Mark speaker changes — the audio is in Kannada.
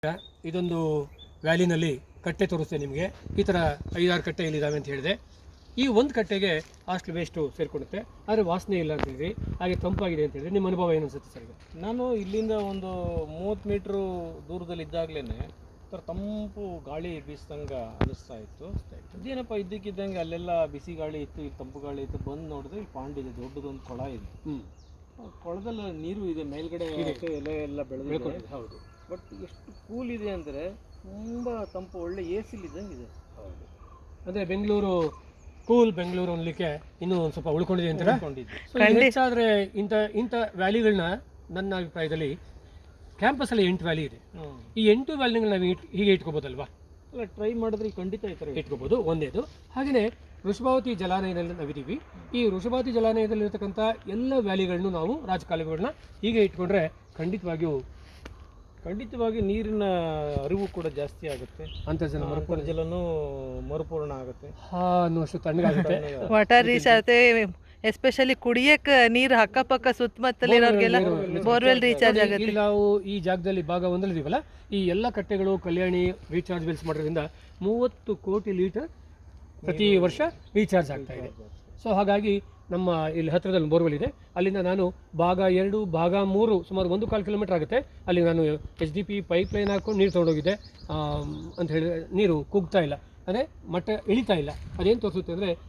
Speaker 1: ಇದೊಂದು ವ್ಯಾಲಿನಲ್ಲಿ ಕಟ್ಟೆ ತೋರಿಸ್ತೇನೆ ನಿಮಗೆ. ಈ ಥರ 5-6 ಕಟ್ಟೆ ಇಲ್ಲಿದ್ದಾವೆ ಅಂತ ಹೇಳಿದೆ. ಈ ಒಂದು ಕಟ್ಟೆಗೆ ಅಷ್ಟು ವೇಸ್ಟು ಸೇರಿಕೊಳ್ಳುತ್ತೆ, ಆದರೆ ವಾಸನೆ ಇಲ್ಲ ಅಂತ ಹೇಳಿದ್ರಿ, ಹಾಗೆ ತಂಪಾಗಿದೆ ಅಂತ ಹೇಳಿದ್ರೆ ನಿಮ್ಮ ಅನುಭವ ಏನು ಅನಿಸುತ್ತೆ ಸರ್?
Speaker 2: ನಾನು ಇಲ್ಲಿಂದ ಒಂದು 30 ಮೀಟ್ರು ದೂರದಲ್ಲಿ ಇದ್ದಾಗಲೇ ಥರ ತಂಪು ಗಾಳಿ ಬೀಸ್ದಂಗೆ ಅನಿಸ್ತಾ ಇತ್ತು. ಇದೇನಪ್ಪ ಇದ್ದಕ್ಕಿದ್ದಂಗೆ ಅಲ್ಲೆಲ್ಲ ಬಿಸಿ ಗಾಳಿ ಇತ್ತು, ಇಲ್ಲಿ ತಂಪು ಗಾಳಿ ಇತ್ತು. ಬಂದು ನೋಡಿದ್ರೆ ಇಲ್ಲಿ ಪಾಂಡ್ ಇದೆ, ದೊಡ್ಡದೊಂದು ಕೊಳ ಇದೆ. ಕೊಳದಲ್ಲಿ ನೀರು ಇದೆ, ಮೇಲ್ಗಡೆ ಎಲೆ ಎಲ್ಲ ಬೆಳೆದಿದೆ.
Speaker 1: ಹೌದು,
Speaker 2: ಬಟ್ ಎಷ್ಟು ಕೂಲ್ ಇದೆ ಅಂದರೆ ತುಂಬ ತಂಪು, ಒಳ್ಳೆ ಎ ಸಿಲಿದ್ದಂಗೆ ಇದೆ.
Speaker 1: ಹೌದು. ಅಂದರೆ ಬೆಂಗಳೂರು ಕೂಲ್ ಬೆಂಗಳೂರು ಅನ್ಲಿಕ್ಕೆ ಇನ್ನೂ ಒಂದು ಸ್ವಲ್ಪ ಉಳ್ಕೊಂಡಿದೆ ಅಂತೀರಾ? ಹೆಚ್ಚಾದರೆ ಇಂಥ ವ್ಯಾಲಿಗಳನ್ನ ನನ್ನ ಅಭಿಪ್ರಾಯದಲ್ಲಿ ಕ್ಯಾಂಪಸಲ್ಲಿ 8 ವ್ಯಾಲಿ ಇದೆ. ಈ 8 ವ್ಯಾಲಿಗಳನ್ನ ನಾವು ಹೀಗೆ ಇಟ್ಕೋಬೋದಲ್ವಾ?
Speaker 2: ಅಲ್ಲ, ಟ್ರೈ ಮಾಡಿದ್ರೆ ಖಂಡಿತ ಈ ಥರ
Speaker 1: ಇಟ್ಕೋಬೋದು, ಒಂದೇದು. ಹಾಗೆಯೇ ವೃಷಭಾವತಿ ಜಲಾನಯದಲ್ಲಿ ನಾವಿದ್ದೀವಿ. ಈ ವೃಷಭಾವತಿ ಜಲಾನಯದಲ್ಲಿರ್ತಕ್ಕಂಥ ಎಲ್ಲ ವ್ಯಾಲಿಗಳನ್ನು ನಾವು ರಾಜಕಾಲುವೆಗಳನ್ನ ಹೀಗೆ ಇಟ್ಕೊಂಡ್ರೆ ಖಂಡಿತವಾಗಿ ನೀರಿನ ಅರಿವು ಕೂಡ ಜಾಸ್ತಿ ಆಗುತ್ತೆ, ಅಂತರ್ಜಲನೂ ಮರುಪೂರ್ಣ ಆಗುತ್ತೆ, ಅನ್ನುವಷ್ಟು ತಣ್ಣಗಾಗುತ್ತೆ.
Speaker 3: ವಾಟರ್ ರೀಚ್ ಆಗುತ್ತೆ. ಎಸ್ಪೆಷಲಿ ಕುಡಿಯಕ್ಕೆ ನೀರು ಅಕ್ಕಪಕ್ಕ ಸುತ್ತಮುತ್ತಲಿರೋರಿಗೆಲ್ಲ ಬೋರ್ವೆಲ್ ರೀಚಾರ್ಜ್ ಆಗುತ್ತೆ.
Speaker 1: ಇಲ್ಲಿ ನಾವು ಈ ಜಾಗದಲ್ಲಿ ಭಾಗ 1 ಇದೀವಲ್ಲ, ಈ ಎಲ್ಲ ಕಟ್ಟೆಗಳು ಕಲ್ಯಾಣಿ ರೀಚಾರ್ಜ್ ಬೆಲ್ಸ್ ಮಾಡೋದ್ರಿಂದ 30 ಕೋಟಿ ಲೀಟರ್ ಪ್ರತಿ ವರ್ಷ ರೀಚಾರ್ಜ್ ಆಗ್ತಾ ಇದೆ. ಸೊ ಹಾಗಾಗಿ ನಮ್ಮ ಇಲ್ಲಿ ಹತ್ತಿರದಲ್ಲಿ ಬೋರ್ವೆಲ್ ಇದೆ, ಅಲ್ಲಿಂದ ನಾನು ಭಾಗ 2 ಭಾಗ 3 ಸುಮಾರು 1.25 ಕಿಲೋಮೀಟರ್ ಆಗುತ್ತೆ. ಅಲ್ಲಿ ನಾನು HDP ಪೈಪ್ ಲೈನ್ ಹಾಕ್ಕೊಂಡು ನೀರು ತೊಗೊಂಡೋಗಿದ್ದೆ. ಅಂತ ಹೇಳಿದ್ರೆ ನೀರು ಕುಗ್ತಾ ಇಲ್ಲ, ಅಂದರೆ ಮಟ್ಟ ಇಳಿತಾ ಇಲ್ಲ. ಅದೇನು ತೋರಿಸುತ್ತೆ ಅಂದರೆ